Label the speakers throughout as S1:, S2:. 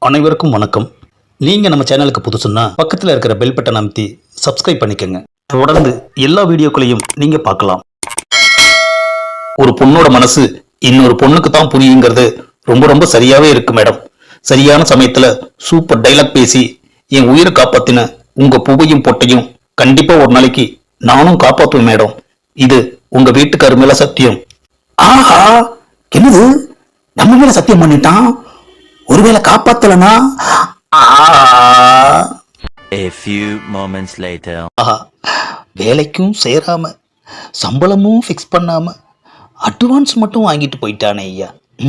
S1: அனைவருக்கும் வணக்கம். நீங்கள் நம்ம சேனலுக்கு புதுசுன்னா பக்கத்தில் இருக்கிற பெல் பட்டன் அமைத்தி சப்ஸ்கிரைப் பண்ணிக்கோங்க. தொடர்ந்து எல்லா வீடியோக்களையும் நீங்கள் பார்க்கலாம். ஒரு பொண்ணோட மனசு இன்னொரு பொண்ணுக்கு தான் புரியுங்கிறது ரொம்ப ரொம்ப சரியாவே இருக்கு மேடம். சரியான சமயத்துல சூப்பர் டைலாக் பேசி என் உயிரை காப்பாத்தின உங்க பூவையும் பொட்டையும் கண்டிப்பா ஒரு நாளைக்கு நானும் காப்பாற்றுவேன் மேடம். இது உங்க வீட்டுக்காரு மேல சத்தியம். ஆஹா, என்னது நம்ம மேல சத்தியம் பண்ணிட்டான்? ஒருவேளை காப்பாத்தலனா?
S2: A few moments later.
S1: ஆஹா, வேலைக்கும் சேராம சம்பளமும் ஃபிக்ஸ் பண்ணாம அட்வான்ஸ் மட்டும் வாங்கிட்டு போயிட்டானே ஐயா.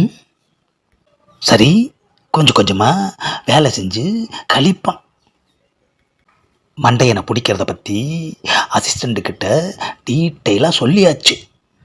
S1: சரி, கொஞ்சம் கொஞ்சமா வேலை செஞ்சு கழிப்பான். மண்டையனை பிடிக்கிறத பற்றி அசிஸ்டண்ட்டுக்கிட்ட டீட்டெயிலாக சொல்லியாச்சு.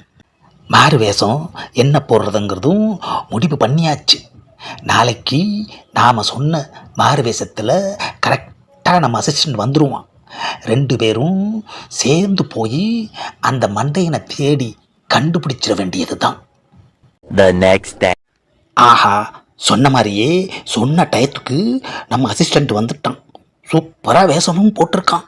S1: மாறு வேஷம் என்ன போடுறதுங்கிறதும் முடிவு பண்ணியாச்சு. நாளைக்கு நாம் சொன்ன மாறு வேஷத்தில் கரெக்டாக நம்ம அசிஸ்டண்ட் வந்துடுவான். 2 பேரும் சேர்ந்து போய் அந்த மண்டையனை தேடி கண்டுபிடிச்சிட வேண்டியது தான்.
S2: The next day.
S1: ஆஹா, சொன்ன மாதிரியே சொன்ன டயத்துக்கு நம்ம அசிஸ்டண்ட் வந்துட்டான். சூப்பராக வேஷமும் போட்டிருக்கான்.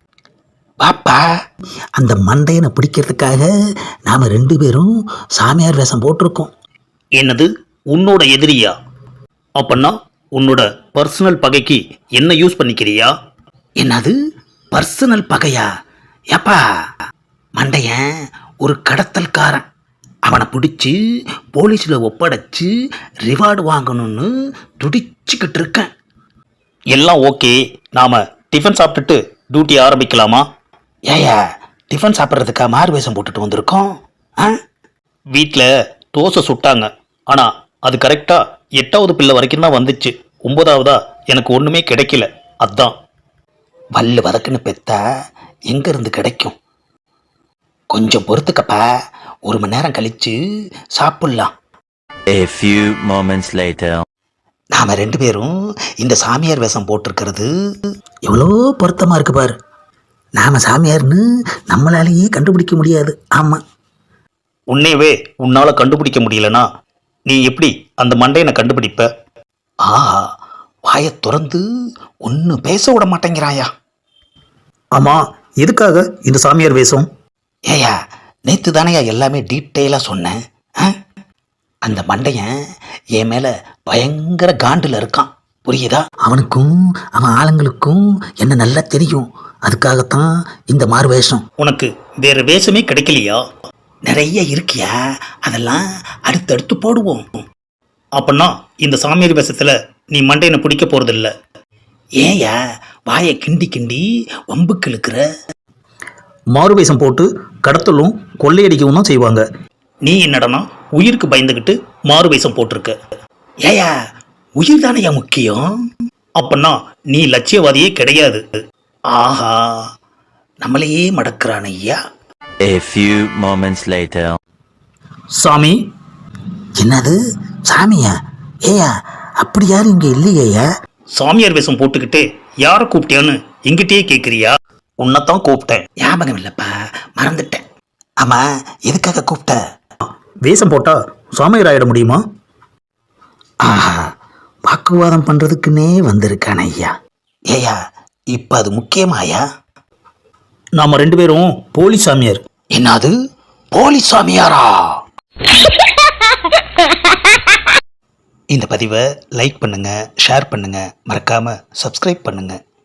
S1: பாப்பா, அந்த மண்டையனை பிடிக்கிறதுக்காக நாம் 2 பேரும் சாமியார் வேஷம் போட்டிருக்கோம். என்னது, உன்னோட எதிரியா? அப்பன்னா உன்னோட பர்சனல் பகைக்கு என்ன யூஸ் பண்ணிக்கிறியா? என்னது பர்சனல் பகையா? ஏப்பா, மண்டையன் ஒரு கடத்தல்காரன். அவனை பிடிச்சி போலீஸில் ஒப்படைச்சு ரிவார்டு வாங்கணும்னு துடிச்சுக்கிட்டு இருக்கேன். எல்லாம் ஓகே, நாம் டிஃபன் சாப்பிட்டுட்டு டியூட்டி ஆரம்பிக்கலாமா? ஏயா, டிஃபன் சாப்பிட்றதுக்கா மாறு வேஷம் போட்டுட்டு வந்திருக்கோம்? வீட்டில் தோசை சுட்டாங்க, ஆனால் அது கரெக்டாக 8வது பிள்ளை வரைக்கும் தான் வந்துச்சு. 9வதா எனக்கு ஒன்றுமே கிடைக்கல. அதான் வல்லு வதக்குன்னு பெத்தா எங்கேருந்து கிடைக்கும்? கொஞ்சம் பொறுத்துக்கப்பா, 1 மணி நேரம் கழித்து சாப்பிட்லாம்.
S2: A few moments later.
S1: நாம் 2 பேரும் இந்த சாமியார் வேஷம் போட்டிருக்கிறது எவ்வளோ பொருத்தமாக இருக்கு பாரு. நாம் சாமியார்னு நம்மளாலேயே கண்டுபிடிக்க முடியாது. ஆமாம், உன்னையவே உன்னால் கண்டுபிடிக்க முடியலனா நீ எப்படி அந்த மண்டையனை கண்டுபிடிப்ப? ஆஹா, வாயை திறந்து ஒன்றும் பேச விட மாட்டேங்கிறாயா. ஆமாம், எதுக்காக இந்த சாமியார் வேஷம்? ஏயா, நேற்று தானேயா எல்லாமே டீட்டெயிலாக சொன்னேன். அந்த மண்டையன் என் மேலே பயங்கர காண்டில் இருக்கான், புரியுதா? அவனுக்கும் அவன் ஆளுங்களுக்கும் என்ன நல்லா தெரியும். அதுக்காகத்தான் இந்த மாறு வேஷம். உனக்கு வேற வேஷமே கிடைக்கலையா? நிறைய இருக்கியா, அதெல்லாம் அடுத்தடுத்து போடுவோம். அப்பன்னா இந்த சாமியார் வேஷத்தில் நீ மண்டையனை பிடிக்க போகிறதில்ல. ஏயா வாயை கிண்டி கிண்டி வம்புக்கு இழுக்கிற? மாறு வேஷம் போட்டு கடத்தலும் கொள்ளையடிக்கவும் தான் செய்வாங்க. நீ என்னடனா உயிருக்கு பயந்துக்கிட்டு மாறு வேஷம் போட்டிருக்க. ஏயா, உயிர் தானையா முக்கியம்? அப்பன்னா நீ லட்சியவாதியே கிடையாது. ஆஹா, நம்மளையே மடக்கிறான் ஐயா.
S2: A few moments later.
S1: சாமி. என்னது சாமியா? ஏயா, அப்படி யாரும் இங்கே இல்லையா? சாமியார் வேஷம் போட்டுக்கிட்டு யாரை கூப்பிட்டியான்னு எங்கிட்டே கேட்குறியா? உன்னைத்தான் கூப்பிட்டேன். ஞாபகம் இல்லைப்பா, மறந்துட்டேன். ஆமாம், எதுக்காக கூப்பிட்ட? வேஷம் போட்டால் சாமியார் ஆகிட முடியுமா? ஆஹா, வாக்குவாதம் பண்ணுறதுக்குன்னே வந்திருக்கான ஐயா. ஏயா, இப்போ அது முக்கியமாயா? நாம் 2 பேரும் போலி சாமியார். என்னது போலி சாமியாரா? இந்த பதிவை லைக் பண்ணுங்கள், ஷேர் பண்ணுங்கள், மறக்காமல் சப்ஸ்கிரைப் பண்ணுங்கள்.